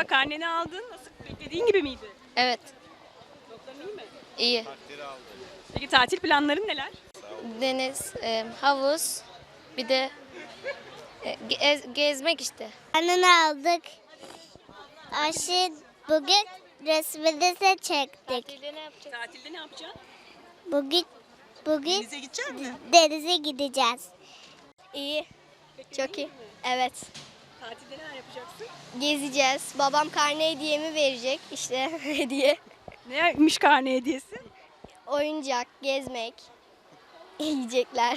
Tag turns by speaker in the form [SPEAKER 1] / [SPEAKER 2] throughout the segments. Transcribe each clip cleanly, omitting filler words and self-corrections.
[SPEAKER 1] Merhaba, karneni aldın. Nasıl, beklediğin gibi miydi?
[SPEAKER 2] Evet,
[SPEAKER 1] Notların iyi mi?
[SPEAKER 2] iyi.
[SPEAKER 1] Peki tatil planların neler?
[SPEAKER 2] Deniz, havuz, bir de gezmek işte.
[SPEAKER 3] Karnını aldık. Aşı bugün resmini de çektik.
[SPEAKER 2] Tatilde ne yapacağız?
[SPEAKER 1] Tatilde ne yapacaksın?
[SPEAKER 3] Bugün
[SPEAKER 1] Denize gidecek misin?
[SPEAKER 3] denize gideceğiz.
[SPEAKER 2] İyi, çok iyi. Evet,
[SPEAKER 1] Tatilde neler yapacaksın?
[SPEAKER 2] gezeceğiz. Babam karne hediyemi verecek, işte hediye.
[SPEAKER 1] Neymiş karne hediyesi?
[SPEAKER 2] Oyuncak, gezmek, yiyecekler.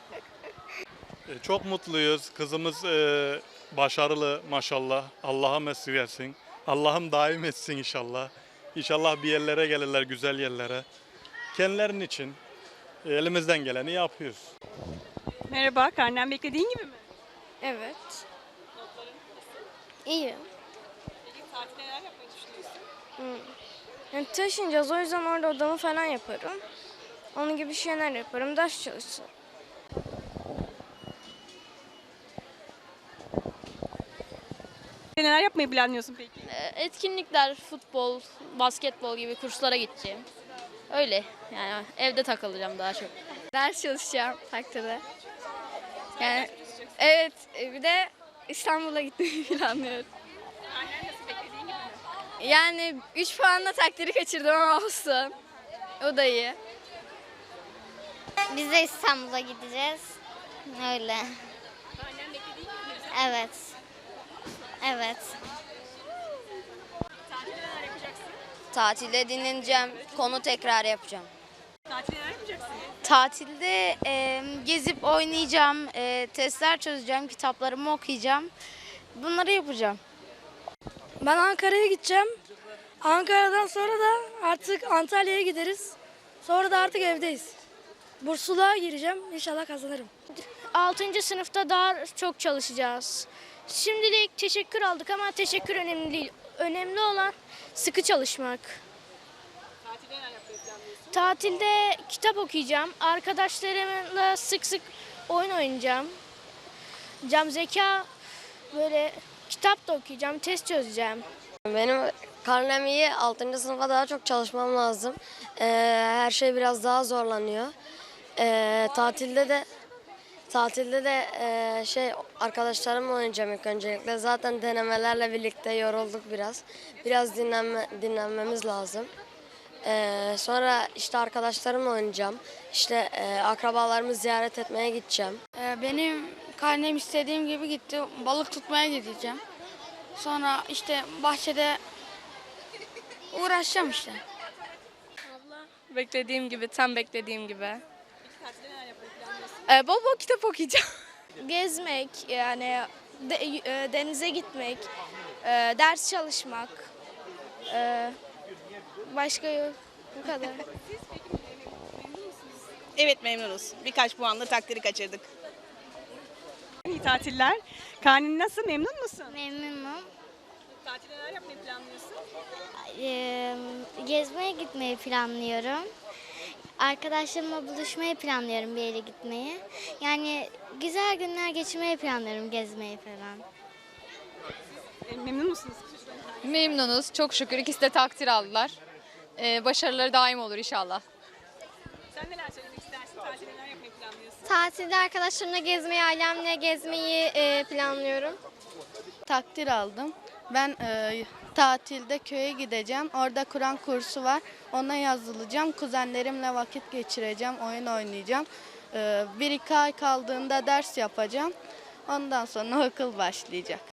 [SPEAKER 4] Çok mutluyuz. Kızımız başarılı maşallah. Allah'a mesut etsin. Allah'ım daim etsin inşallah. İnşallah bir yerlere gelirler, güzel yerlere. Kendilerinin için elimizden geleni yapıyoruz.
[SPEAKER 1] Merhaba, karnen beklediğin gibi mi?
[SPEAKER 2] Evet. İyi.
[SPEAKER 1] Peki tatilde neler yapmayı düşünüyorsun?
[SPEAKER 2] Yani taşınacağız, o yüzden orada odamı falan yaparım. Onun gibi şeyler yaparım, ders çalışırım.
[SPEAKER 1] Neler yapmayı planlıyorsun peki?
[SPEAKER 5] Etkinlikler, futbol, basketbol gibi kurslara gideceğim. Öyle yani evde takılacağım daha çok.
[SPEAKER 2] Ders çalışacağım takdirde. Yani evet, bir de İstanbul'a gitmeyi planlıyorum.
[SPEAKER 1] Karnen nasıl, beklediğin gibi mi?
[SPEAKER 2] Yani 3 puanla takdiri kaçırdım ama olsun. O da iyi.
[SPEAKER 3] Biz de İstanbul'a gideceğiz. Öyle.
[SPEAKER 1] Karnen beklediğin gibi mi?
[SPEAKER 3] Evet. Evet.
[SPEAKER 1] Tatilde neler yapacaksın?
[SPEAKER 2] Tatilde dinleneceğim, konu tekrar yapacağım.
[SPEAKER 1] Tatilde neler yapacaksın?
[SPEAKER 6] Tatilde gezip oynayacağım, testler çözeceğim, kitaplarımı okuyacağım. Bunları yapacağım.
[SPEAKER 7] Ben Ankara'ya gideceğim. Ankara'dan sonra da artık Antalya'ya gideriz. Sonra da artık evdeyiz. Bursluğa gireceğim. İnşallah kazanırım.
[SPEAKER 6] 6. sınıfta daha çok çalışacağız. Şimdilik teşekkür aldık ama teşekkür önemli değil. Önemli olan sıkı çalışmak.
[SPEAKER 1] Tatilde neler yapmayı planlıyorsun?
[SPEAKER 6] Tatilde kitap okuyacağım. Arkadaşlarımla sık sık oyun oynayacağım. Cam zeka, böyle kitap da okuyacağım, test çözeceğim.
[SPEAKER 2] Benim karnem iyi, 6. sınıfa daha çok çalışmam lazım. Her şey biraz daha zorlanıyor. Tatilde de arkadaşlarımla oynayacağım ilk öncelikle. Zaten denemelerle birlikte yorulduk biraz. Biraz dinlenmemiz lazım. Sonra işte arkadaşlarımla oynayacağım. İşte akrabalarımı ziyaret etmeye gideceğim.
[SPEAKER 6] Benim karnem istediğim gibi gitti. Balık tutmaya gideceğim. Sonra işte bahçede uğraşacağım işte.
[SPEAKER 5] Beklediğim gibi, tam beklediğim gibi.
[SPEAKER 1] Peki tatilde neler yapmayı planlıyorsun?
[SPEAKER 5] Bol bol kitap okuyacağım.
[SPEAKER 6] Gezmek, yani denize gitmek, ders çalışmak, başka yok. Bu kadar.
[SPEAKER 8] Evet memnunuz. Birkaç puanla takdiri kaçırdık.
[SPEAKER 1] İyi tatiller. Karnen nasıl, memnun musun?
[SPEAKER 3] Memnunum.
[SPEAKER 1] Tatilde neler yapmayı planlıyorsun?
[SPEAKER 3] Gezmeye gitmeyi planlıyorum. Arkadaşlarımla buluşmayı planlıyorum, bir yere gitmeyi. Yani güzel günler geçirmeyi planlıyorum, gezmeyi falan.
[SPEAKER 1] Memnun musunuz?
[SPEAKER 5] Memnunuz. Çok şükür ikisi de takdir aldılar. Başarıları daim olur inşallah.
[SPEAKER 1] Sen neler söylemek istersin? Tatilde neler yapmayı planlıyorsun?
[SPEAKER 2] Tatilde arkadaşlarımla gezmeyi, ailemle gezmeyi planlıyorum.
[SPEAKER 6] Takdir aldım. Ben tatilde köye gideceğim. Orada Kur'an kursu var. Ona yazılacağım. Kuzenlerimle vakit geçireceğim. Oyun oynayacağım. 1-2 ay kaldığında ders yapacağım. Ondan sonra okul başlayacak.